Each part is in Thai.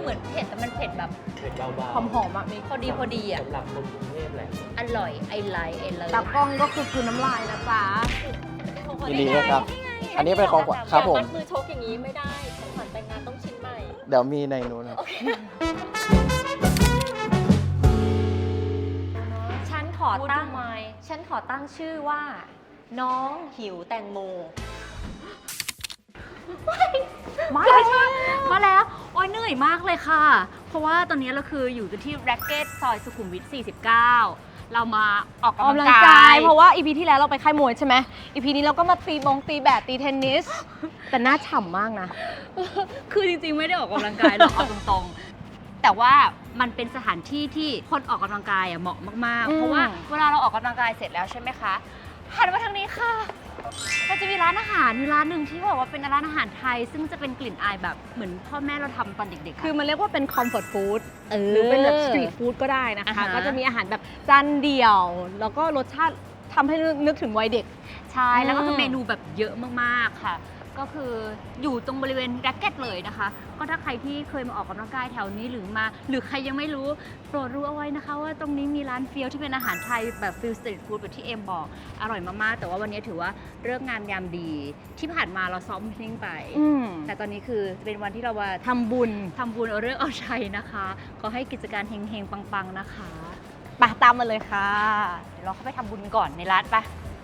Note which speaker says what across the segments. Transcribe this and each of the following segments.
Speaker 1: มือนเผ็ดแต่มันเผ็ดแบบ
Speaker 2: เผ็ดเบา
Speaker 3: หอมๆอ่ะมี
Speaker 1: พอดีอ่ะ
Speaker 2: สำหรับคนกรุงเทพแหละ
Speaker 1: อร่อยไอไลท์
Speaker 3: ตากล้องก็คือคืนน้ำลายนะจ๊ะ
Speaker 4: ยินดีด้วยครับ อันนี้เป็นของขวัญครับผม
Speaker 5: มัดมือชกอย่างนี้ไม่ได้ของขวัญแต่งงานต้องชิ้นใหม่
Speaker 4: เดี๋ยวมีในนู้นครับ
Speaker 5: ฉันขอตั้งชื่อว่า น้องหิวแตงโม
Speaker 1: มาแล้วโอ้ยเหนื่อยมากเลยค่ะ เพราะว่าตอนนี้เราคืออยู่กันที่แร็กเก็ตซอยสุขุมวิท 49 เรามาออก
Speaker 3: ออก
Speaker 1: กำ
Speaker 3: กำ
Speaker 1: ลั
Speaker 3: ลั
Speaker 1: ง
Speaker 3: ง
Speaker 1: กาก
Speaker 3: าย ย เพราะว่าอีพีที่แล้วเราไปค่ายมวยใช่ไหมอีพีนี้เราก็มาตีแบดตีเทนนิส แต่หน้าฉ่ำมากนะ
Speaker 1: คือจริงๆ ไม่ได้ออกกำลังกายหรอกเอาตรงๆ แต่ว่ามันเป็นสถานที่ที่คนออกกำลังกายเหมาะมากๆ เพราะว่าเวลาเราออกกำลังกายเสร็จแล้วใช่ไหมคะ หันมาทางนี้ค่ะเราจะมีร้านอาหารอยู่ร้านหนึ่งที่แบบว่าเป็นร้านอาหารไทย ซึ่งจะเป็นกลิ่นอายแบบเหมือนพ่อแม่เราทำตอนเด็กๆ
Speaker 3: คือมันเรียกว่าเป็นคอมฟอร์ตฟู้ด
Speaker 1: ห
Speaker 3: หรือเป็นแบบสตรีทฟู้ดก็ได้นะคะ ก็จะมีอาหารแบบจานเดี่ยว แล้วก็รสชาติทำให้นึกถึงวัยเด็ก
Speaker 1: ใช่ แล้วก็คือเมนูแบบเยอะมากๆค่ะ ก็คืออยู่ตรงบริเวณแร็กเก็ตเลยนะคะ ก็ถ้าใครที่เคยมาออกกำลังกายแถวนี้หรือใครยังไม่รู้โปรดรู้เอาไว้นะคะ ว่าตรงนี้มีร้านเฟี้ยวที่เป็นอาหารไทยแบบฟิลสตรีทฟู้ดแบบที่เอ็มบอกอร่อยมากๆ แต่ว่าวันนี้ถือว่าเลิกษ์งามยามดี ที่ผ่านมาเราซ้อมทิ้งไป แต่ตอนนี้คือเป็นวันที่เราว่า
Speaker 3: ทำบุญ
Speaker 1: เอาเรื่องเอาชัยนะคะขอให้กิจการเฮงๆปังๆนะคะ
Speaker 3: ไปตามมาเลยค่ะ
Speaker 1: เดี๋ยวเราเข้าไปทำบุญก่อนในร้านไป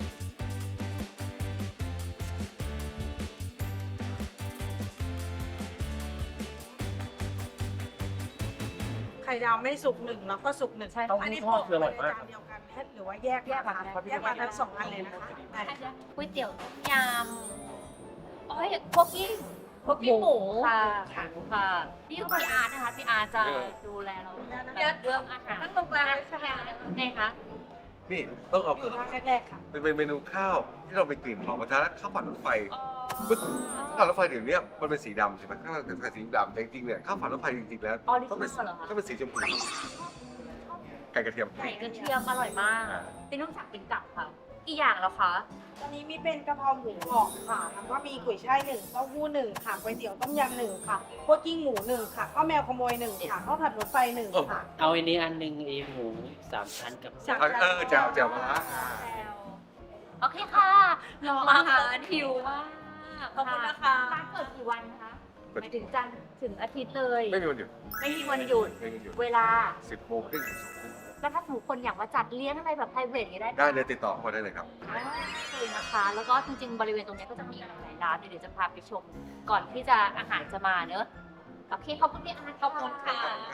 Speaker 6: ไข่ดาวไม่สุกหนึ่งแล้วก็สุกหนึ่ง
Speaker 1: ใช่
Speaker 6: อันนี้โปะไปในจานเดียวกันหรือว่าแยกมาแยกมาทั้งสองอันเลยนะคะได้
Speaker 5: ก๋วยเตี๋ยวยำโอ้ยพวกกี้หมู
Speaker 1: ค่ะค่ะนี่คือพี่อาร์ตนะคะพี่อาร์ตจะดูแลเราเรื่องอาหาร
Speaker 6: นั่งตรงกลางเลยใช่ไหม
Speaker 1: ไงคะ
Speaker 7: นี่ต้องเอา
Speaker 6: อยู่ทางแรกๆค่ะ
Speaker 7: เป็นเมนูข้าวที่เราไปกลิ่นหอมกระทะข้าวผัดรถไฟข้าวผัดรถไฟเดี๋ยวนี้มันเป็นสีดำใช่ไหมข้าวผัดรถไฟสีดำแต่จริงๆเนี่ยข้าวผัดรถไฟจริงๆแล้วต้องเป็นสีชมพูไก่กระเทียม
Speaker 1: ไก่กระเทียมอร่อยมากเป็นต้องสั่งเป็นกับค่ะอีกอย่างแล้วคะ
Speaker 6: ตอนนี้มีเป็นกะเพราหมูกรอบค่ะแล้วก็มีกุยช่ายหนึ่งเต้าหู้หนึ่งค่ะก๋วยเตี๋ยวต้มยำหนึ่งค่ะพวกกิ้งหมูหนึ่งค่ะข้าวแมวขโมยหนึ่งค่ะข้าวผัดรถไฟหนึ่งค่ะ
Speaker 2: เอาอันนี้อันหนึ่งไอ้หมู3 ชั้นกับ
Speaker 6: จาก
Speaker 7: แจ่วมะระ
Speaker 1: โอเคค่ะรออาหารหิวมาก
Speaker 6: ขอบคุณนะคะ
Speaker 1: ร้านเปิดกี่วันคะหมายถึงจันทร์ถึงอาทิตย์เลย
Speaker 7: ไม่มีวันหยุด
Speaker 1: ไม่มีวันหยุด
Speaker 7: ไม่มีวันหยุด
Speaker 1: เวลา
Speaker 7: 10 โมงครึ่งถึง
Speaker 1: แล้วถ้าสมมติคนอยากมาจัดเลี้ยงอะไรแบบ private อย่างนี้ได้
Speaker 7: 2 ได้เลยติดต่อเข้ามาได้เลยครับ
Speaker 1: เลยนะคะ แล้วก็จริงๆ บริเวณตรงนี้ก็จะมีหลายร้านเดี๋ยวจะพาไปชม ก่อนที่จะอาหารจะมาเนอะโอเคขอบคุณพี่อาร์ตขอบคุณค่ะ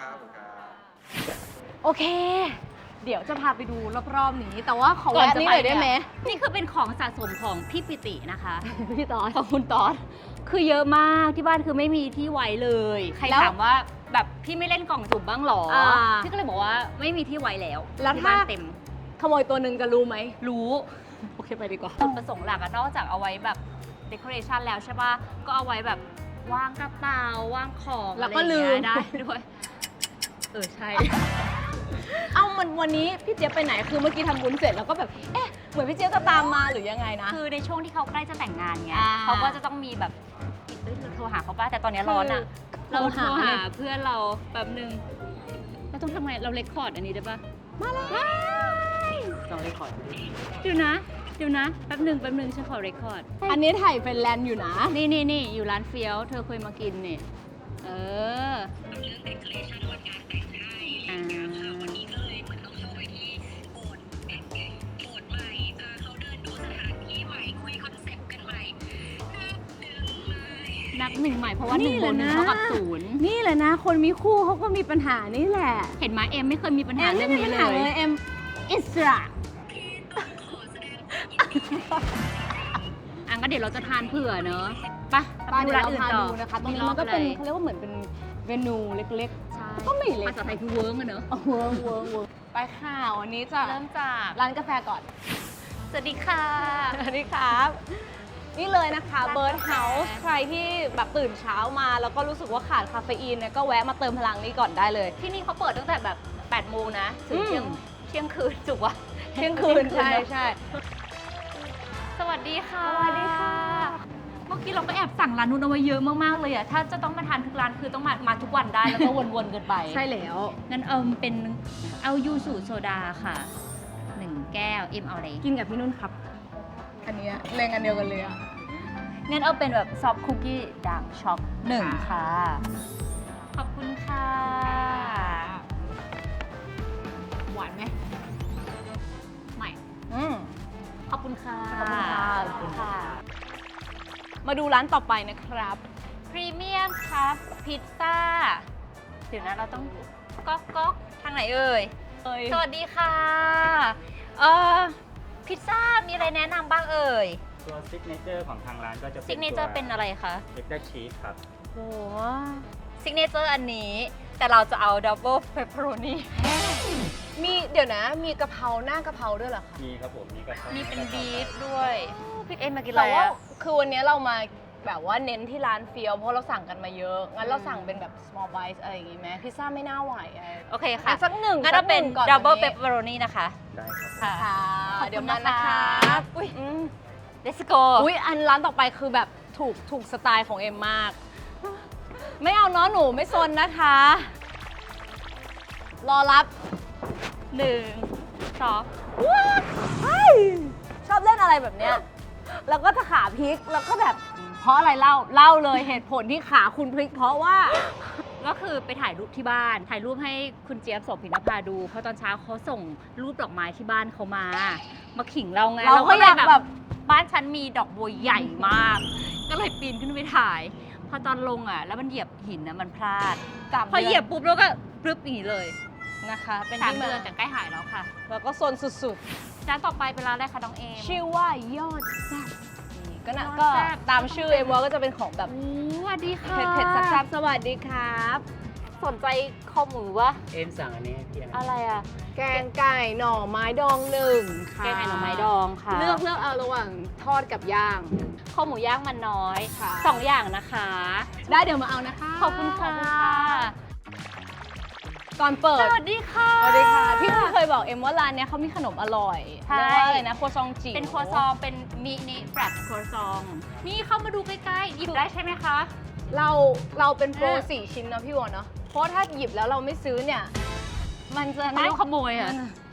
Speaker 3: โอเค เดี๋ยวจะพาไปดูรอบๆนี้ แต่ว่าขอแวะนี่หน่อยได้ไหม
Speaker 1: นี่คือเป็นของสะสมของพี่ปิตินะคะ
Speaker 3: พี่ตอด
Speaker 1: ของคุณตอสคือเยอะมากที่บ้านคือไม่มีที่ไว้เลย ใคร
Speaker 3: แล้ว
Speaker 1: ถามว่าแบบพี่ไม่เล่นกล่องจุ่มบ้างหรอ
Speaker 3: า
Speaker 1: พี่ก็เลยบอกว่าไม่มีที่ไว้แล้ว
Speaker 3: แล้ว
Speaker 1: ที่
Speaker 3: ถ้า
Speaker 1: บ้านเต็ม
Speaker 3: ขโมยตัวหนึ่งจะรู้ไหม
Speaker 1: รู้
Speaker 3: โอเคไปดีกว่า
Speaker 1: จุดประสงค์หลักอะนอกจากเอาไว้แบบเดคอเรชันแล้วใช่ป่ะ ก็เอาไว้แบบวางกระเป๋าวางของ
Speaker 3: แล้วก็
Speaker 1: อะไรอย่างเงี้ย
Speaker 3: ลืม
Speaker 1: ได้ด้วย ใช่
Speaker 3: เอ้ามันวันนี้พี่เจี๊ยบไปไหนคือเมื่อกี้ทำบุญเสร็จแล้วก็แบบเอ๊ะเหมือนพี่เจี๊ยบจะตามมาหรือยังไงนะ
Speaker 1: คือในช่วงที่เขาใกล้จะแต่งงานไง
Speaker 3: อ่า
Speaker 1: เขาก็จะต้องมีแบบโทรหาเขาป่ะแต่ตอนนี้ร้อนอะ
Speaker 3: คือ
Speaker 1: เราโทร
Speaker 3: โทรหา
Speaker 1: หาเพื่อนเราแป๊บนึงเราต้องทำไงเราเรคคอร์ดอันนี้ได้ป่ะ
Speaker 3: มาเลย
Speaker 2: ต้องได้ขอ
Speaker 1: เดี๋ยวนะแป๊บหนึ่งฉันขอเรคคอร์ด
Speaker 3: อันนี้ถ่ายเป็นแลนด์อยู่นะ
Speaker 1: นี่อยู่ร้านเฟี้ยวเธอเคยมากินนี่เอออ่านับหนึ่งใหม่เพราะว่าหนึ่งบนหนึ่งเท่ากับศูนย์
Speaker 3: นี่แหละนะ คนมีคู่เขาก็มีปัญหานี่แหละ
Speaker 1: เห็นไหมเอ็มไม่เคยมีปัญหาเรื่องนี้เล
Speaker 3: ไม่มีปัญหาย เอ็มอิสระ
Speaker 1: อันก็เดี๋ยวเราจะทานเผื่อเนอะไป
Speaker 3: ป้า
Speaker 1: ดู
Speaker 3: เดี๋ยว
Speaker 1: ร้าน
Speaker 3: เรา
Speaker 1: อื่น
Speaker 3: พา
Speaker 1: ต่อ
Speaker 3: ดูนะคะตรงนี้มันก็เป็นเขาเรียกว่าเหมือนเป็นเมนูเล็ก
Speaker 1: ใช่
Speaker 3: ก็ไม่เล็ก
Speaker 1: ภาษาไทยคือเวิร์กอะเนอะ
Speaker 3: ๆเวิร์กไปค่ะวันนี้จะ
Speaker 1: เริ่มจาก
Speaker 3: ร้านกาแฟก่อน
Speaker 1: สวัสดีค่ะ
Speaker 3: สวัสดีครับ นี่เลยนะคะ
Speaker 1: ร้านกาแฟ
Speaker 3: เบิร์ดเฮาส์ใครที่แบบตื่นเช้ามา แล้วก็รู้สึกว่าขาดคาเฟอีนเนี่ยก็แวะมาเติมพลังนี้ก่อนได้เลย
Speaker 1: ที่นี่เขาเปิดตั้งแต่แบบ8โมงนะถึง
Speaker 3: อืม
Speaker 1: เที่ยงคืนจุกวะ
Speaker 3: เที่ยงคืนใช่
Speaker 1: สวัสดีค่ะ
Speaker 3: สวัสดีค่ะ
Speaker 1: มมื่อกี้เราก็แอบสั่งร้านนู้นเอาไว้เยอะมากๆเลยอะถ้าจะต้องมาทานทุกร้านคือต้องมาทุกวันได้แล้วก็วนๆกันไป
Speaker 3: ใช่แล้ว
Speaker 1: งั้นเป็นเอายูสุโซดาค่ะ1 แก้วเอาอะไร
Speaker 3: กินกับพี่นุ่นครับ อันเนี้ยแรงอันเดียวกันเลยอะ
Speaker 1: งั้นเอาเป็นแบบซอฟต์คุกกี้ด่างช็อก1ค่ะ ขอบคุณค่ะ
Speaker 3: หวานไหม
Speaker 1: ไม่
Speaker 3: อืม
Speaker 1: ขอบคุณค่ะ
Speaker 3: ขอบคุณค่ะ
Speaker 1: ขอบคุณค่ะ
Speaker 3: มาดูร้านต่อไปนะครับ
Speaker 1: พรีเมียมครับพิซซ่าเดี๋ยวนะเราต้องก๊อกทางไหนเอ่ย สวัสดีค่ะพิซซ่ามีอะไรแนะนำบ้างเอ่ย
Speaker 8: ตัวซิกเนเจอร์ของทางร้านก็จะ
Speaker 1: ซิกเนเจอร์เป็นอะไรคะ
Speaker 8: เบเกอร์ชีสครับ
Speaker 1: โอ้ซิกเนเจอร์อันนี้ แต่เราจะเอาดับเบิลเปปเปอโรนี
Speaker 3: มีเดี๋ยวนะ มีกะเพราหน้ากะเพราด้วยเหรอคะ
Speaker 8: มีครับผมมีกระเพรา
Speaker 1: มี
Speaker 8: มี
Speaker 1: เป็นบีฟด้วยพี่เอ็มมากินอะไร
Speaker 3: แต่ว่า
Speaker 1: อะ
Speaker 3: คือวันนี้เรามาแบบว่าเน้นที่ร้านเฟียวเพราะเราสั่งกันมาเยอะ งั้นเราสั่งเป็นแบบ small bites อะไรอย่างงี้ไหมพิซซ่าไม่น่าไหวอะ
Speaker 1: โอเคค่ะ
Speaker 3: อ่ะสักหนึ่ง
Speaker 1: งั้นเราเป็น
Speaker 3: สักหนึ่งก่อน
Speaker 1: ดับเบิล
Speaker 3: วัน
Speaker 1: เป
Speaker 3: นี้
Speaker 1: ปเปอโรนีนะคะ
Speaker 8: ได้ครับ
Speaker 1: ค่ะ
Speaker 3: ค่ะ
Speaker 1: ขอบคุณ
Speaker 3: เดี๋ยวมานะ
Speaker 1: นะคะ
Speaker 3: ครับอุ้ย
Speaker 1: let's go
Speaker 3: อุ้ยอันร้านต่อไปคือแบบถูกสไตล์ของเอ็มมาก ไม่เอาเนาะหนูไม่ซนนะคะ รอรับ
Speaker 1: 1 2
Speaker 3: ชอบเล่นอะไรแบบเนี้ย แล้วก็จะขาพลิก แล้วก็แบบ เพราะอะไรเล่าเลยเหตุผลที่ขาคุณพลิก เพราะว่า
Speaker 1: ก็คือไปถ่ายรูปที่บ้าน ถ่ายรูปให้คุณเจี๊ยบโสภินภาดู เพราะตอนเช้าเขาส่งรูปดอกไม้ที่บ้านเขามาขิงเราไง
Speaker 3: เราก็อยากแบบ
Speaker 1: บ้านฉันมีดอกบัวใหญ่มาก ก็เลยปีนขึ้นไปถ่าย พอตอนลงอ่ะ แล้วมันเหยียบหินนะมันพลาด พอเหยียบปุ๊บแล้วก็ปรึ๊บอย่างนี้เลย
Speaker 3: นะคะ เป็น
Speaker 1: 3
Speaker 3: ที่มา
Speaker 1: เดือนแต่ใกล้หายแล้วค่ะ
Speaker 3: แล้วก็โซนสุด
Speaker 1: ร้านต่อไปเป็นร้านอะไรคะน้องเอม
Speaker 3: ๆ ชื่อว่ายอดแซ่บนี่ก็นะ
Speaker 1: ยอด
Speaker 3: ก็
Speaker 1: แซ่บ
Speaker 3: ตามชื่อเอ็มว่าก็จะเป็นของแบบ
Speaker 1: สวัสดีค่ะ
Speaker 3: เผ็ดๆแซ่บๆสวัสดีครับ
Speaker 1: สนใจคอหมูวะ
Speaker 8: เอ็มสั่งอันนี้ให้พี่นะ
Speaker 1: อะไรอ่ะ
Speaker 3: แกงไก่หน่อไม้ดองหนึ่งค่ะ
Speaker 1: แกงไก่หน่อไม้ดองค่ะ
Speaker 3: เลือกเอาระหว่างทอดกับย่าง
Speaker 1: ข้าวหมูย่างมันน้อย
Speaker 3: ค่ะ
Speaker 1: 2 อย่างนะคะ
Speaker 3: ได้เดี๋ยวมาเอานะคะ
Speaker 1: ขอบคุณค่ะ
Speaker 3: ก่อนเปิด
Speaker 1: สวัสดีค่ะ
Speaker 3: สวัสดีค่ะ พี่เพิ่งเคยบอกเอ็มว่าร้านเนี้ยเขามีขนมอร่อย
Speaker 1: ใช่
Speaker 3: เรียกว่าอะไรนะครัวซองจิ๋ว
Speaker 1: เป็นครัวซองเป็นมินิแฟลตครัวซอง นี่เข้ามาดูใกล้ๆ หยิบได้ใช่ไหมคะ
Speaker 3: เราเป็นโปร
Speaker 1: เออ
Speaker 3: 4 ชิ้นนะพี่วอนเนาะเพราะถ้าหยิบแล้วเราไม่ซื้อเนี่ย มันจะ
Speaker 1: ไม่ต้องขโมยอ่ะ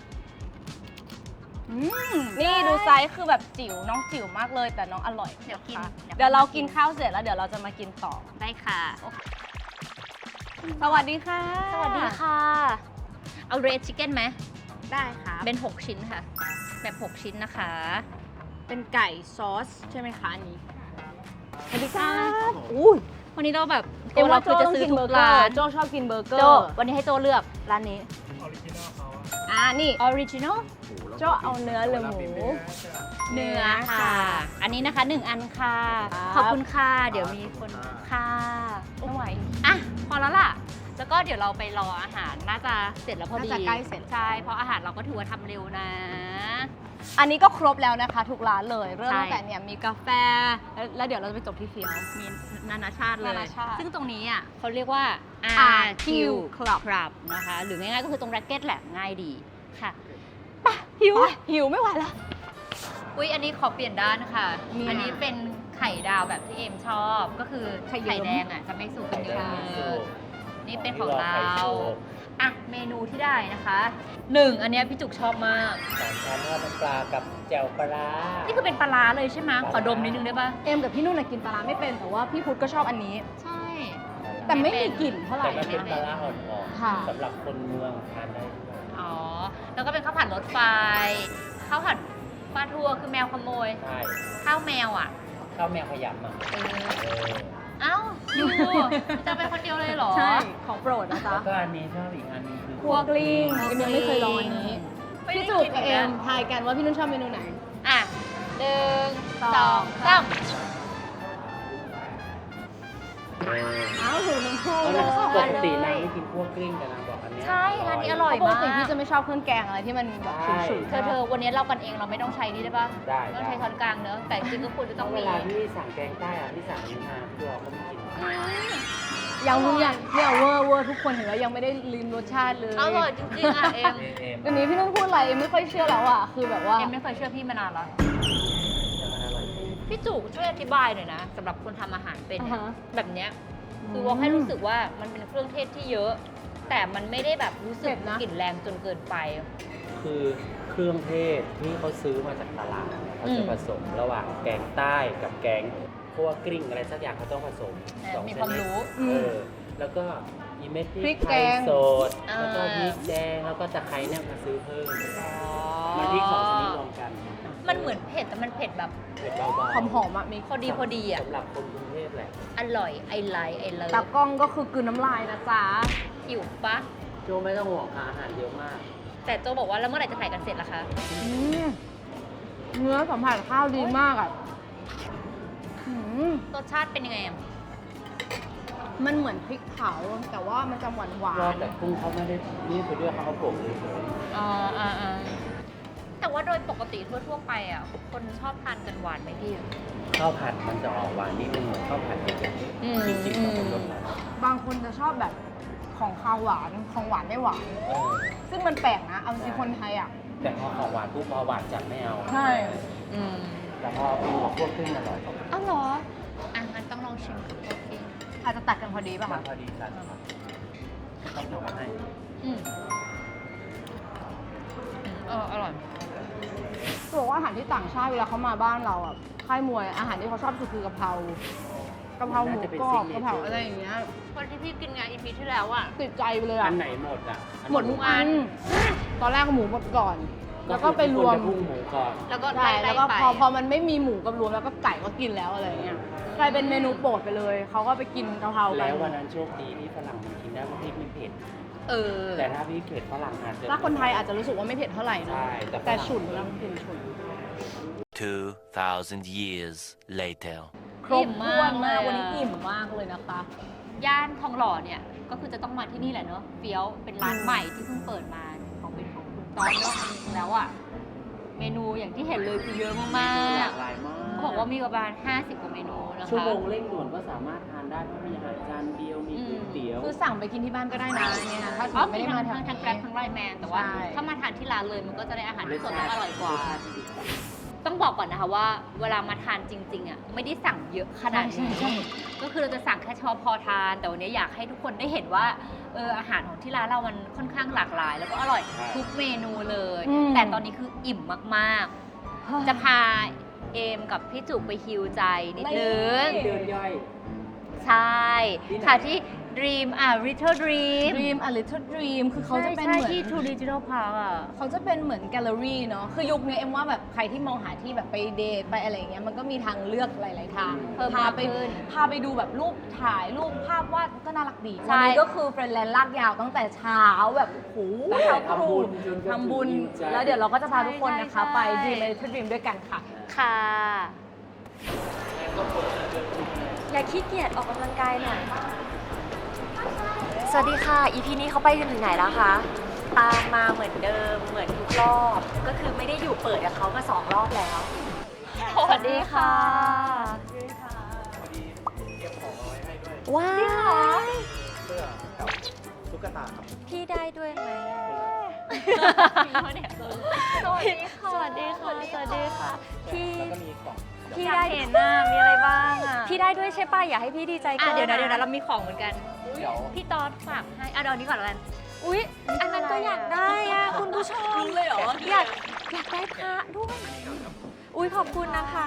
Speaker 3: นี่ดูไซส์คือแบบจิ๋วน้องจิ๋วมากเลยแต่น้องอร่อย
Speaker 1: เดี๋ยวกิน
Speaker 3: นะคะ
Speaker 1: เดี๋ยว
Speaker 3: เดี๋ยวเรากินข้าวเสร็จแล้วเดี๋ยวเราจะมากินต่อ
Speaker 1: ได้ค่ะ
Speaker 3: สวัสดีค่ะ
Speaker 1: สวัสดีค่ะ เอาเรดชิคเก้นไหม
Speaker 3: ได้ค่ะ
Speaker 1: เป็น 6 ชิ้นค่ะ แบบ 6 ชิ้นนะคะ
Speaker 3: เป็นไก่ซอสใช่ไหมคะอันนี้สวัสดีค่ะอุ้ย
Speaker 1: วันนี้เราแบบ
Speaker 3: เอ็ม
Speaker 1: เรา
Speaker 3: ว่า
Speaker 1: คือจะซื้อทุกร้าน
Speaker 3: โจชอบกินเบอร์เกอ
Speaker 1: โจ
Speaker 3: ร์
Speaker 1: วันนี้ให้โจเลือกร้านนี้
Speaker 3: นี่
Speaker 1: ออริจินอล
Speaker 3: โจเอาเนื้อหรือหมู
Speaker 1: เนื้อค่ะ อันนี้นะคะ 1 อันค่ะ
Speaker 3: ครับ
Speaker 1: ขอบคุณค่ะ เดี๋ยวมีคนค่ะไม่ไหวอ่ะ พอแล้วล่ะ แล้วก็เดี๋ยวเราไปรออาหารน่าจะเสร็จแล้วพอดี
Speaker 3: น่าจะใกล้เสร็จ
Speaker 1: ใช่ เพราะอาหารเราก็ถือว่าทำเร็วนะ
Speaker 3: อันนี้ก็ครบแล้วนะคะทุกร้านเลย เริ่ม
Speaker 1: ใช่
Speaker 3: ตั้งแต่เนี่ยมีกาแฟ แล้วเดี๋ยวเราจะไปจบที่เฟียว
Speaker 1: มีนานาชาติเลย
Speaker 3: นานาชาติ
Speaker 1: ซึ่งตรงนี้อ่ะเขาเรียกว่า
Speaker 3: RQ Club
Speaker 1: นะคะ หรือง่ายๆก็คือตรงแร็กเก็ตแหละง่ายดีค่ะ
Speaker 3: หิวไม่ไหวแล้ว
Speaker 1: อุ๊ย อันนี้ขอเปลี่ยนด้านค่ะ
Speaker 3: เนี่ย
Speaker 1: อันนี้เป็นไข่ดาวแบบที่เอมชอบ ก็คือ
Speaker 3: ไข่
Speaker 1: ไข่
Speaker 3: เยิ้ม
Speaker 1: แดงอ่ะจะไม่สุกกันเยอะ
Speaker 3: ค่ะ
Speaker 1: นี่เป็นของเรา
Speaker 8: ไข่โชว์
Speaker 1: อ่ะ เมนูที่ได้นะคะ1อันเนี้ยพี่จุกชอบมาก
Speaker 2: สามชั้นทอดน้ำปลากับแจ่วปลาร้า
Speaker 1: นี่คือเป็นปลาร้าเลยใช่ไหมขอดมนิดนึงได้ปะ
Speaker 3: เอ็มกับพี่นุ่นนะกินปลาร้าไม่เป็นแต่ว่าพี่พุทธก็ชอบอันนี้
Speaker 1: ใช่
Speaker 3: แต่ไม่มีกลิ่นเท่าไหร่
Speaker 2: แต่มันเป็น
Speaker 3: นะ
Speaker 2: ปลาร้าอ่อน
Speaker 3: ค่ะ
Speaker 2: ๆสำหรับคนเมืองทานได้ด้วย
Speaker 1: อ๋อ แล้วก็เป็นข้าวผัดรถไฟ ข้าวผัดปลาทัวคือแมวขโมย
Speaker 2: ใช่
Speaker 1: ข้าวแมวอ่ะ
Speaker 2: ข้าวแมวขยำอ่ะ
Speaker 1: เออ
Speaker 2: เออ
Speaker 1: เอ้าอยู่จะไปคนเดียวเลยเหรอ
Speaker 3: ใช่ ของโปรดนะ
Speaker 2: แล้
Speaker 3: จ๊ะ
Speaker 2: วก็อันนี้ชอบอีกอันนึงคือ
Speaker 3: คั่วกลิ้งเอ็มยังไม่เคยลองอันนี้
Speaker 1: ไม่ได้
Speaker 3: พี่จุก
Speaker 1: กิน
Speaker 3: กับ
Speaker 1: อี
Speaker 3: เอ็
Speaker 1: แล้ว
Speaker 3: มทายกันว่าพี่นุ่นชอบเมนูไหน
Speaker 1: อ่ะ1 2 3
Speaker 3: อ้าวหูน้ำพุ
Speaker 2: เพราะ
Speaker 3: เล
Speaker 2: นาง
Speaker 3: ย
Speaker 2: ปกตินางไม่กินพวกกลิ้งแต่นางบอกอันเนี้ย
Speaker 1: ใช่ร้านนี้อร่อย
Speaker 3: ปกติพี่จะไม่ชอบเครื่องแกงอะไรที่มันแบบฉุนๆ
Speaker 1: เธอวันนี้เรากันเองเราไม่ต้องใช้นี่ได้ปะ
Speaker 2: ได้
Speaker 1: ต้องใช้ช้อนกลางเนอะแต่จริงๆก็ควรจะ
Speaker 2: เพ
Speaker 1: ต้อง
Speaker 2: ราะเว
Speaker 1: มี
Speaker 2: ลาที่สั่งแกงใต้อะที่สั่งอันนี้มาพี่วอเขาไม่กิน
Speaker 3: ยังเนี่ยเวอร์ทุกคนเห็นว่ายังไม่ได้ลิ้มรสชาติเลย
Speaker 1: อร่อยจริงๆอ่ะเอ็ม
Speaker 3: เดี๋ยวนี้พี่นุ่นพูดอะไรเอ็มไม่ค่อยเชื่อแล้วอ่ะคือแบบว่า
Speaker 1: เอ็มไม่เคยเชื่อพี่มานานแล้ว
Speaker 2: แต่มันอร่อยจริง
Speaker 1: พี่จุกช่วยอธิบายหน่อยนะสำหรับคนทำอาหารเป็น
Speaker 3: อ่า
Speaker 1: เนี่ย
Speaker 3: ฮะ
Speaker 1: แบบเนี้ยคือว่าให้รู้สึกว่ามันเป็นเครื่องเทศที่เยอะ แต่มันไม่ได้แบบรู้สึกกลิ่นแรงจนเกินไป
Speaker 2: คือเครื่องเทศที่เขาซื้อมาจากตลาดเขาจะผสมระหว่างแกงใต้กับแกงคั่วกลิ้งอะไรสักอย่างเขาต้องผสมสอง
Speaker 1: มี
Speaker 2: ช
Speaker 1: ความ
Speaker 2: นิด
Speaker 1: รู้
Speaker 2: แล้วก็อีเม็ดพ
Speaker 3: พริ
Speaker 2: ริ
Speaker 3: ก
Speaker 2: ก
Speaker 3: แก
Speaker 2: ไทย
Speaker 3: ง
Speaker 2: สด
Speaker 1: อ่า
Speaker 2: แล้วก็พริกแดงแล้วก็ตะไคร้เนี่ยมาซื้อเพิ่มมันพริกสองชนิดรวมกัน
Speaker 1: มันเหมือนเผ็ดแต่มันเผ็ดแบบ
Speaker 2: เผ็ดเบาๆ
Speaker 3: หอมๆอ่ะมี
Speaker 1: พอดีอ่ะ
Speaker 2: สำหรับคนกรุงเทพแหละ
Speaker 1: อร่อยไอไลท์ไอเลิ
Speaker 3: ตา
Speaker 1: ฟ
Speaker 3: กล้องก็คือกลืนน้ำลายนะจ๊ะ
Speaker 1: หิวปะ
Speaker 2: โจไม่ต้องห่วงค่ะอาหารเยอะมาก
Speaker 1: แต่โจบอกว่าแล้วเมื่อไหร่จะถ่ายกันเสร็จล่ะคะ
Speaker 3: เนื้อสัมผัสข้าวดีมากอ่ะอืม
Speaker 1: รสชาติเป็นยังไงอะ
Speaker 3: มันเหมือนพริกเผาแต่ว่ามันจะหวานหวาร
Speaker 2: อบแต่กุ้งเขาไม่ได้นี่คือด้วยเขาเอาโป่งเลย
Speaker 1: อ๋อแต่ว่าโดยปกติทั่วๆไปอ่ะคนชอบทานกันหวานไหมพี่
Speaker 2: ข้าวผัดมันจะออกหวานนิดนึงเหมือนข้าวผัดเด็กๆจริงๆมันเป็นรสหวาน
Speaker 3: บางคนจะชอบแบบของคาวหวานของหวานไม่หวาน ซึ่งมันแปลกนะ เอาจริงๆคนไทยอ่ะ
Speaker 2: แต่พอของหวานปุ๊บพอหวานจัดไม่เอา
Speaker 3: ใช่
Speaker 1: อืม
Speaker 2: แต่พอปูกับพวกขึ้นอร่อย
Speaker 1: อ้าวเหรออ่ะงั้นต้องลองชิมกับโอเค
Speaker 3: อาจจะตัดกันพอดีป่ะ
Speaker 2: มั
Speaker 3: คะ
Speaker 2: นพอดีกันครับต้องทำมาให้
Speaker 1: อืมอร่อย
Speaker 3: บอกว่าอาหารที่ต่างชาติเวลาเขามาบ้านเราอ่ะค่ายมวยอาหารที่เขาชอบสุดคือกะเพรากะเพราหมูกรอบกะเพราอะไรอย่างเงี้ย
Speaker 1: คนที่พี่กินงานอีพีที่แล้วอ่ะ
Speaker 3: ติดใจไปเลยอ่ะ
Speaker 2: อันไหนหมดอ่ะ
Speaker 3: หมดทุกอัน ตอนแรกหมูหมดก่อน แล้วก็ไปรวม
Speaker 2: พุ่งหมูก่อน
Speaker 1: แล้วก็
Speaker 3: ใช่
Speaker 1: ไล่
Speaker 3: แล้วก็
Speaker 1: ไป
Speaker 3: พอมันไม่มีหมูกับรวมแล้วก็ไก่ก็กินแล้วอะไรอย่างเงี้ยกลายเป็นเมนูโปรดไปเลยเขาก็ไปกินกะเพรากั
Speaker 2: แล้
Speaker 3: น
Speaker 2: ววันนั้นโชคดีที่ฝรั่งมันกินได้เพราะพริกไม่เผ็ด
Speaker 1: เออ
Speaker 2: แต่ถ้าพริกเผ็ดฝรั่งอาจจะ
Speaker 3: ถ้าคนไทยอาจจะรู้สึกว่าไม่เผ็ดเท่าไหร่เนอะ
Speaker 2: ใช่
Speaker 3: แต่ฉุนแล้วกินฉุน
Speaker 9: 2,000 years later.
Speaker 3: ครบถ้วนมาก
Speaker 1: อิ่มมากเลยอะ
Speaker 3: วันนี้อิ่มมากเลยนะคะ
Speaker 1: ย่านทองหล่อเนี่ยก็คือจะต้องมาที่นี่แหละเนอะเฟี้ยวเป็นร้านใหม่ที่เพิ่งเปิดมาของเป็นของคุณตอนเนอะจริงๆแล้วอ่ะเมนูอย่างที่เห็นเลยคือเยอะมาก
Speaker 2: หลากหลายมาก
Speaker 1: ๆเขาบอกว่ามีประมาณ50 กว่าเมนูนะคะ
Speaker 2: ชั่วโมงเร่งด่วนก็สามารถทานได้เพราะมีอาหารจานเดียวมีก๋วยเตี๋ยว
Speaker 3: คือสั่งไปกินที่บ้านก็ได้นะเนี่ยถ้าสมม
Speaker 1: อ๋อ
Speaker 3: ติไม่ได้มาแถว
Speaker 1: ทั้งแกร็
Speaker 3: นี้
Speaker 1: บทั้งไลน์แมนแต่ว่า
Speaker 3: ใช่
Speaker 1: ถ้ามาทานที่ร้านเลยมันก็จะได้อาหารที่สดและอร่อยกว่า
Speaker 2: รสชาติที่ดีกว่า
Speaker 1: ต้องบอกก่อนนะคะว่าเวลามาทานจริง ๆอ่ะไม่ได้สั่งเยอะขนาดนี้ก็คือเราจะสั่งแค่เฉพาะพอทาน แต่วันนี้อยากให้ทุกคนได้เห็นว่าอาหารของที่ร้านเรามันค่อนข้างหลากหลาย แล้วก็อร่อยทุกเมนูเลย แต่ตอนนี้คืออิ่มมากๆ จะพาเอมกับพี่จุกไปฮิวใจนิดนึง
Speaker 2: เดินย่อย
Speaker 1: ใช่
Speaker 2: ที่ไหน
Speaker 1: ค่ะที่ Dream Little Dream
Speaker 3: Dream a Little Dream คือเขาจะเป็น
Speaker 1: ใช่
Speaker 3: เหมือน
Speaker 1: ที่ True Digital Park อ่ะ
Speaker 3: เขาจะเป็นเหมือนแกลเลอรี่เนาะ คือยุคนี้เอ็มว่าแบบใครที่มองหาที่แบบไปเดทไปอะไรอย่างเงี้ย มันก็มีทางเลือกหลาย ๆ ทาง
Speaker 1: เพิ่ม
Speaker 3: พาม
Speaker 1: าก
Speaker 3: ไป
Speaker 1: ขึ้น
Speaker 3: พาไปดูแบบรูปถ่ายรูปภาพวาดก็น่ารักดี
Speaker 1: ใช่
Speaker 3: วันนี้ก็คือเฟรนแลนด์ลากยาวตั้งแต่เช้าแบบโอ้โห
Speaker 2: ทำบุญจนกระทั่ง
Speaker 3: ทำบุญ
Speaker 2: อิ่มใจ
Speaker 3: แล้วเดี๋ยวเราก็จะพาทุกคนนะคะ
Speaker 1: ใช่
Speaker 3: ไป Dream a Little Dream ด้วยกันค่ะ
Speaker 1: ค่ะ
Speaker 5: อย่าขี้เกียจออกกำลังกายหน่อย สวัสดีค่ะ EP นี้เขาไปกันถึงไหนแล้วคะ ตามมาเหมือนเดิม เหมือนทุกรอบ ก็คือไม่ได้อยู่เปิดกับเขามา2 รอบแล้ว สวัสดีค่ะ ว้าว
Speaker 4: เสื้อกับตุ๊กตาครับ
Speaker 5: พี่ได้ด้วยไหม
Speaker 1: สวัสดีค่ะ
Speaker 5: สวัสดีค่ะ สวัสดีค่ะ พี่
Speaker 4: แล้วก็มีกล่อง
Speaker 5: พี่
Speaker 1: อยา
Speaker 5: ได้
Speaker 1: กเห็นน่ะมีอะไรบ้างอ่ะ
Speaker 5: พี่ได้ด้วยใช่ป่ะ อยากให้พี่ดีใจก่อน
Speaker 1: เดี๋ยวนะเรามีของเหมือนกัน
Speaker 4: เดี๋ยว
Speaker 1: พี่ตอดฝากให้เดี๋ยวนี้ก่อนแล้วกัน
Speaker 5: อุ๊ย อันนั้นก็อยากได้อ่ะ คุณผู้ชมเลยเหรอ อยากได้พระด้วย อุ๊ย ขอบคุณนะคะ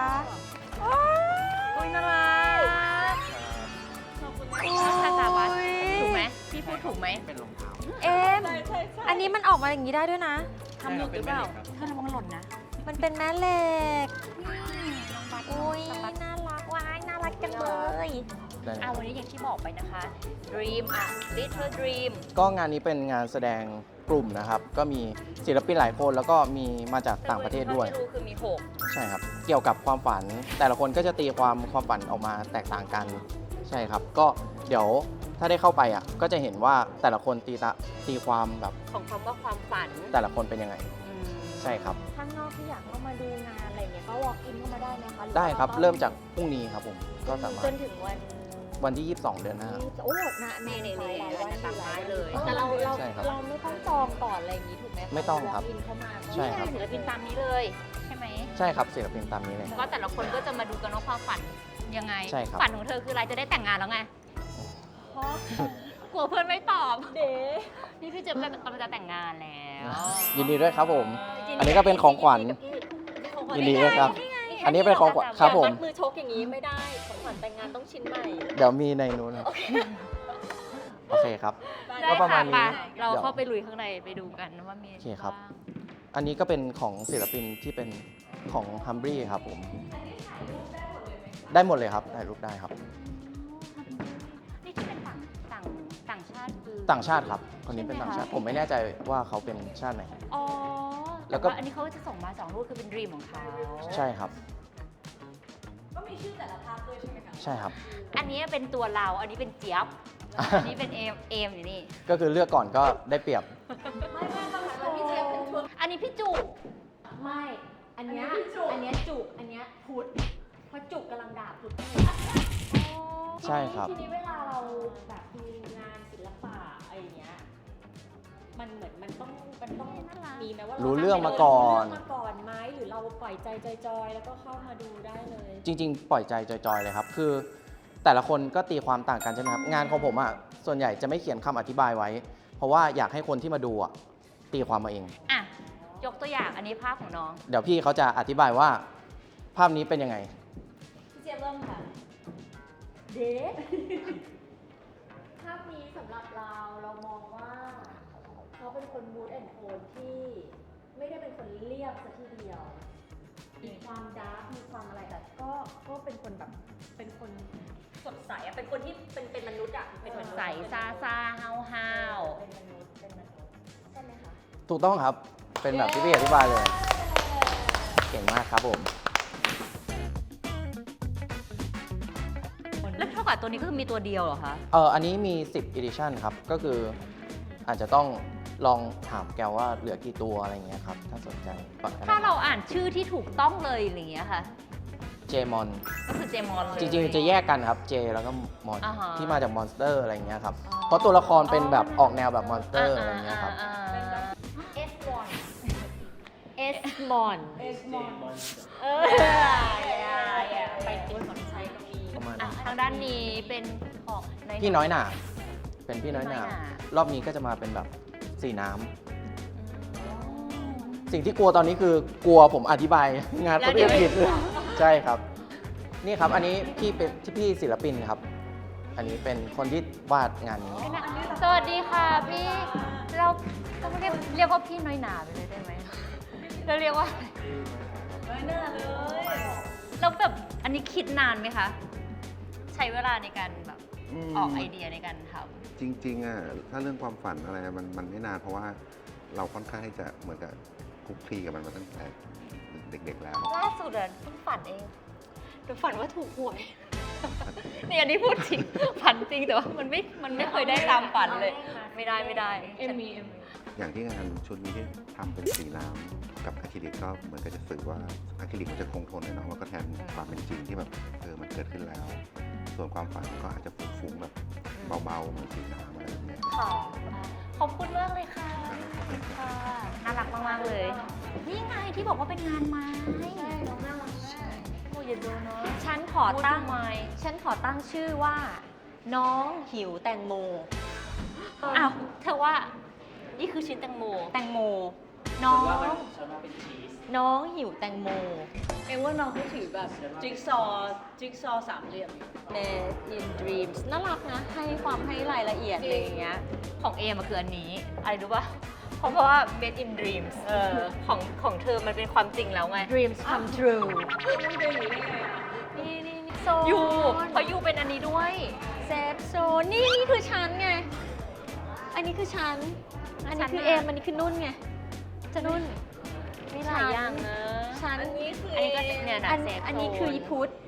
Speaker 5: อุ๊ยน่ารัก
Speaker 1: คาซาวัสถูกไหมพี่พูดถูกไหม
Speaker 4: เป็นรองเท้า
Speaker 5: เอ็มอันนี้มันออกมาอย่างนี้ได้ด้วยนะ
Speaker 1: ทำหลุดหรือเปล่า
Speaker 4: ใช่ครับ
Speaker 1: เธอระวังหล่นนะ
Speaker 5: มันเป็นแม่เหล็ก อุ๊ย น่ารักว้ายน่ารักจังเลย
Speaker 1: วันนี้อย่างที่บอกไปนะคะ Dream Little Dream
Speaker 4: ก็งานนี้เป็นงานแสดงกลุ่มนะครับ ก็มีศิลปินหลายคนแล้วก็มีมาจากต่างประเทศด้วย
Speaker 1: ที่รู้คือมี
Speaker 4: ใช่ครับ เกี่ยวกับความฝัน แต่ละคนก็จะตีความฝันออกมาแตกต่างกัน ใช่ครับ ก็เดี๋ยวถ้าได้เข้าไปอ่ะ ก็จะเห็นว่าแต่ละคนตีความแบบ
Speaker 1: 6 ของคำว่าความฝัน
Speaker 4: แต่ละคนเป็นยังไง ใช่ครับ
Speaker 5: ข้างนอกที่อยากเข้ามาดูงานอะไรเงี้ยก็ walk in เข้ามาได้ไหมคะหอว่า
Speaker 4: ได้ครับ
Speaker 5: ต้อง
Speaker 4: เริ่มจากพรุ่งนี้ครับผม ก็สามาร
Speaker 5: จ
Speaker 4: ถ
Speaker 5: นถึง
Speaker 4: วันที่ 22 เดือนหน้า
Speaker 5: โอ้นะ
Speaker 1: นี่
Speaker 5: หลาย
Speaker 1: ๆ
Speaker 5: วัน
Speaker 1: ตามท้ายเลย
Speaker 5: แต่เรา
Speaker 4: ใช่ครับ
Speaker 5: ไม่ต้องจองก่อนอะไรอย่างนี้ถูกไหมะ
Speaker 4: ไม่ต้องครับ
Speaker 5: walk in เข้ามา
Speaker 4: ใช่
Speaker 1: นี่
Speaker 4: ครับ
Speaker 1: ไงศิลปินตามนี้เลย ใช่ไหม
Speaker 4: ใช่ครับศิลปินตามนี้เลย
Speaker 1: ก็แต่ละคนก็จะมาดูกันว่าความฝันยังไง
Speaker 4: ใช่ครับ
Speaker 1: ฝันของเธอคืออะไรจะได้แต่งงานแล้วไงกลัวเพื่อนไม่ตอบเด้นี่พี่เจมส์กำลังจะแต่งงานแล้ว
Speaker 4: ยินดีด้วยครับผม อันนี้ก็เป็นของขวัญยินดีด้วยครับ อันนี้เป็นของขวัญครับผม
Speaker 5: มัดมือชกอย่างนี้ไม่ได้ ของขวัญแต่งงานต้องชิ้นใหม่
Speaker 4: เดี๋ยวมีในนู้นครับโอเคครับ
Speaker 1: ได้
Speaker 4: ก็ประมา
Speaker 1: ค่ะ
Speaker 4: ณ
Speaker 1: ไป
Speaker 4: นี้
Speaker 1: เรา
Speaker 4: ดี๋ยว
Speaker 1: เข้าไปลุยข้างในไปดูกันว่ามี
Speaker 4: โอเคครับ
Speaker 1: าง
Speaker 4: อันนี้ก็เป็นของศิลปินที่เป็นของฮัมบรีครับผม ได้หมดเลยครับถ่ายรูปได้ครับ
Speaker 1: นี่ที่เป็นต่างชาติคือ
Speaker 4: ต่างชาติครับ คนนี้เป็นต่างชาติ ผมไม่แน่ใจว่าเขาเป็นชาติไหน
Speaker 1: อ๋อ
Speaker 4: แล้
Speaker 1: แล้ว
Speaker 4: วก็
Speaker 1: ก็อันนี้เขาจะส่งมา2รูปคือเป็นดรีมของเขา
Speaker 4: ใช่ครับ ใช่ครับ
Speaker 1: อันนี้เป็นตัวเรา อันนี้เป็นเจี๊ยบ อันนี้เป็นเอมอยู่นี่
Speaker 4: ก็คือเลือกก่อนก็ได้เปรียบ
Speaker 1: อันนี้พี่จุก
Speaker 5: ไม่ อันเนี้ยจุก อันเนี้ยพุทธเพราะจุกกำลังด่าพุทธอยู่
Speaker 4: ใช่ครับ
Speaker 5: ทีนี้เวลาเราแบบดูงานศิลปะอะไรอย่างเงี้ย มันเหมือนมันต้องมีไหมว่า
Speaker 4: รู้เรื่องมาก่อน
Speaker 5: รู้เรื่องมาก่อนไหมหรือเราปล่อยใจจอยๆแล้วก็เข้ามาดูได้เลย
Speaker 4: จริง ๆ ปล่อยใจจอยๆเลยครับ คือแต่ละคนก็ตีความต่างกันใช่ไหมครับ งานของผมอ่ะ ส่วนใหญ่จะไม่เขียนคำอธิบายไว้ เพราะว่าอยากให้คนที่มาดูอ่ะตีความมาเอง
Speaker 1: อ่ะ ยกตัวอย่างอันนี้ภาพของน้อง
Speaker 4: เดี๋ยวพี่เขาจะอธิบายว่าภาพนี้เป็นยังไง
Speaker 5: พี่เจี๊ยบเริ่มค่ะ เดท ภาพนี้สำหรับเรามองว่าเขาเป็นคนมูดแอนโทนที่ไม่ได้เป็นคนเรียบซะทีเดียว มีความดาร์กมีความอะไรแต่ก็เป็นคนแบบเป็นคนสดใสอะเป็นคนที่เป็นมนุษย์อะเป็นมนุษย์
Speaker 1: ใสซ่าซ่าห้าวห้าว
Speaker 5: เป็นมนุษย์ใช่ไหมคะ
Speaker 4: ถูกต้องครับ เป็นแบบที่พี่อธิบายเลย เก่งมากครับผม
Speaker 1: แล้วเท่ากับตัวนี้ก็คือมีตัวเดียวเหรอคะ
Speaker 4: อันนี้มี 10 edition ครับ ก็คืออาจจะต้องลองถามแกว่าเหลือกี่ตัวอะไรเงี้ยครับ ถ้าสนใจก่อนก็ได้
Speaker 1: ถ้าเราอ่านชื่อที่ถูกต้องเลยอย่างเงี้ยค่ะ
Speaker 4: เจมอน
Speaker 1: ก็คือเจมอนเลย
Speaker 4: จริงๆ จะแยกกันครับ เจแล้วก็มอน
Speaker 1: อ่าฮะ
Speaker 4: ที่มาจากมอนสเตอร์อะไรเงี้ยครับ
Speaker 1: อ๋อ
Speaker 4: เพราะตัวละครเป็นแบบออกแนวแบบมอนสเตอร์อะไรเงี้ยครับ
Speaker 5: เอสมอน เออไปกินของใช้ก็มี
Speaker 4: ประมาณ
Speaker 1: อ่ะ
Speaker 4: นั้น
Speaker 1: ทางด้านนี้เป็นของใน
Speaker 4: พี่น้อยหนาเป็นพี่น้อยหนา
Speaker 1: พี่น้อยหน่า
Speaker 4: รอบนี้ก็จะมาเป็นแบบสีน้ำ สิ่งที่กลัวตอนนี้คือกลัวผมอธิบายงานตัวเองผิดใช่ครับ นี่ครับอันนี้พี่เป็นพี่ศิลปินครับ อันนี้เป็นคนที่วาดงานนี้
Speaker 1: สวัสดีค่ะพี่ เราต้องเรียกว่าพี่น้อยหนาไปเลยได้ไหมเราเรียกว่าน้อยหนาเลยแล้วแบบอันนี้คิดนานไหมคะ ใช้เวลาในการแบบออกไอเดียในการทำ
Speaker 7: จริงๆอ่ะถ้าเรื่องความฝันอะไรมันไม่นานเพราะว่าเราค่อนข้างที่จะเหมือนกับคลุกคลีกับมันมาตั้งแต่เด็กๆแล้ว
Speaker 1: ล่าสุดอะเพิ่งฝันเองแต่ฝันว่าถูกหวย นี่อันนี้พูดจริง ฝันจริงแต่ว่ามันไม่เคยได้ตามฝันเลย ไม่ได้ฉัน
Speaker 7: อย่างที่งานชุดนี้ที่ทำเป็นสีน้ำกับอะคริลิกก็เหมือนกับจะสื่อว่าอะคริลิกมันจะคงทนเลยเนาะแล้วก็แทนความเป็นจริงที่แบบมันเกิดขึ้นแล้ว ส่วนความฝันก็อาจจะฟุ้งๆแบบเบาๆเหมือนสีน้ำอะไรแบบเนี้ย
Speaker 1: ค่ะขอบคุณมากเลยค่ะค่ะน่ารักมากๆเลย นี่ไงที่บอกว่าเป็นงานไม้ใช่น้องน่ารักมากโอ้ยอย่าดูเนาะ
Speaker 5: ฉันขอตั้ง
Speaker 1: พูดทำไม
Speaker 5: ฉันขอตั้งชื่อว่า น้องหิวแตงโม
Speaker 1: อ้าวเธอว่า นี่คือชิ้นแตงโม
Speaker 5: แตงโม น้อง
Speaker 8: ฉันว่าเป็นชีส
Speaker 5: น้องหิวแตงโม
Speaker 3: เองว่าน้องเขาถือแบบจิ๊กซอว์สามเหลี่ยม
Speaker 5: Made in Dreams น่ารักนะ ให้ความให้รายละเอียดอะไรอย่างเงี้ย
Speaker 1: ของเอมาคืออันนี้ อะไรรู้ป่ะ เพราะว่า made in dreams ของเธอมันเป็นความจริงแล้วไง
Speaker 5: Dreams come true
Speaker 1: นี่ยูเพราะยูเป็นอันนี้ด้วย
Speaker 5: เซฟโซนี่คือฉันไง อันนี้คือฉัน อันนี้คือเอม อันนี้คือนุ่นไง จะนุ่น
Speaker 1: มีหลายอย่างนะ
Speaker 5: ฉัน
Speaker 1: อันนี้ก็เนี่ยนะเซฟ
Speaker 5: อันนี้คืออีพุทธ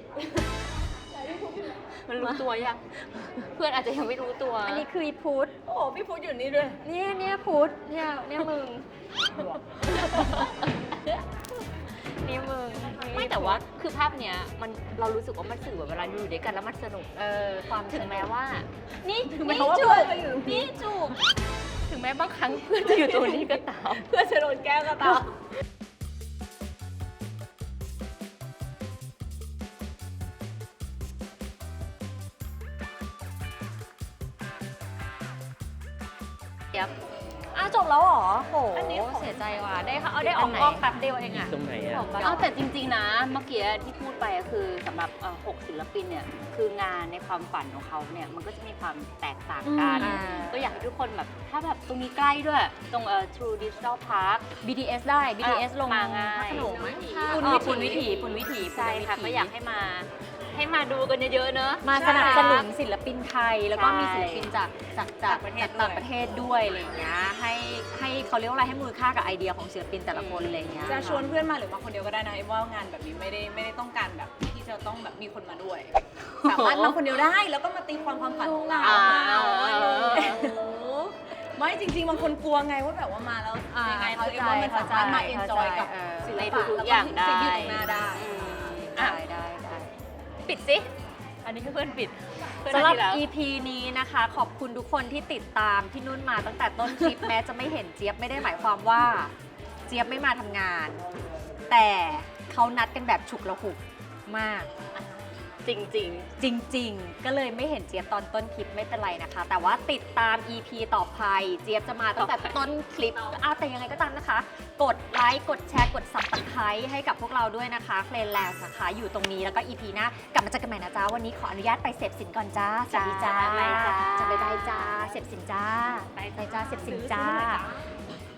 Speaker 1: มันรู้ตัวยัง เพื่อนอาจจะยังไม่รู้ตัว
Speaker 5: อันนี้คืออีพุทธ
Speaker 3: โอ้พี่พุทธอยู่นี่ด้วย
Speaker 5: เนี่ยพุทธเนี่ยมึง นี่มึง
Speaker 1: ไม่แต่ว่าคือภาพเนี้ยมันเรารู้สึกว่ามันสื่อเวลาอยู่ด้วยกันแล้วมันสนุกความถึงแม้ว่า นี่จูบนี่จูบถึงแม้บางครั้งเพื่อนจะอยู่ตรงนี้ก็ตาม
Speaker 3: เพื่อจะโดนแก้วก็ตาม
Speaker 1: เดี๋ยว
Speaker 3: จบแล้วเหรอโห
Speaker 1: อันนี้เสียใจว่ะได้ได้ออกกล้องแป๊บเดียวเองอะ
Speaker 2: ตรงไหนอ่ะ
Speaker 1: เอาแต่จริงๆนะเมื่อกี้ที่พูดไปอะคือสำหรับ6ศิลปินเนี่ยคืองานในความฝันของเขาเนี่ยมันก็จะมีความแตกต่างกัน ก็อยากให้ทุกคนแบบถ้าแบบตรงนี้ใกล้ด้วยตรงTrue Digital Park
Speaker 3: BTS ได้ BTS ลง
Speaker 1: มาง่าย
Speaker 3: พระโขนง
Speaker 1: ปุณวิถีใช่ค่ะก็อยากให้มาดูกันเยอะๆเนอะ
Speaker 3: มาสนับสนุนศิลปินไทย แล้วก็มี
Speaker 1: ใช่
Speaker 3: ศิลปินจากต่างประเทศด้วยอะไรอย่างเงี้ยให้เขาเรียกว่าอะไรให้มูลค่ากับไอเดียของศิลปินแต่ละคนอะไรอย่างเงี้ย
Speaker 10: จะชวนเพื่อนมาหรือมาคนเดียวก็ได้นะไอ้ว่างานแบบนี้ไม่ได้ต้องการแบบที่จะต้องแบบมีคนมาด้วย สามารถมาคนเดียวได้แล้วก็มาตีความฝันของเรา ไม่จริงๆบางคนกลัวไงว่าแบบว่ามาแล้วยังไงเขาเอ็มว่ามันสามารถมาเอนจอยกับศิล
Speaker 1: ใน
Speaker 10: ปะ
Speaker 1: ทุกๆอย่างได้
Speaker 10: สิ่งที่อยู่ตรงหน้าได้
Speaker 1: ได้ปิดสิอันนี้คือเพื่อนปิดเพื่อน
Speaker 3: สำหรับ
Speaker 1: ที่แล้ว
Speaker 3: EP นี้นะคะ ขอบคุณทุกคนที่ติดตามพี่นุ่นมาตั้งแต่ต้นคลิป แม้จะไม่เห็นเจี๊ยบไม่ได้หมายความว่าเจี๊ยบไม่มาทำงาน แต่เขานัดกันแบบฉุกละหุกมาก
Speaker 1: จริง
Speaker 3: จริง ๆ ก็เลยไม่เห็นเจี๊ยบตอนต้นคลิปไม่เป็นไรนะคะ แต่ว่าติดตาม EP ต่อไปเจี๊ยบจะมาตั้งแต่ต้นคลิปแต่ยังไงก็ตามนะคะ กดไลค์กดแชร์กด Subscribe ให้กับพวกเราด้วยนะคะเพลนแลนด์นะคะอยู่ตรงนี้แล้วก็ EP หน้ากลับมาเจอกันใหม่นะจ๊ะวันนี้ขออนุญาตไปเสพสินก่อนจ้าสวัสดีจ้า
Speaker 1: บ๊ายบายจ้า
Speaker 3: จะบ๊ายบายจ้าเสพสินจ้า
Speaker 1: ไป
Speaker 3: ไปจ้าเสพสินจ้า
Speaker 1: ซื้อหน่อยจ้า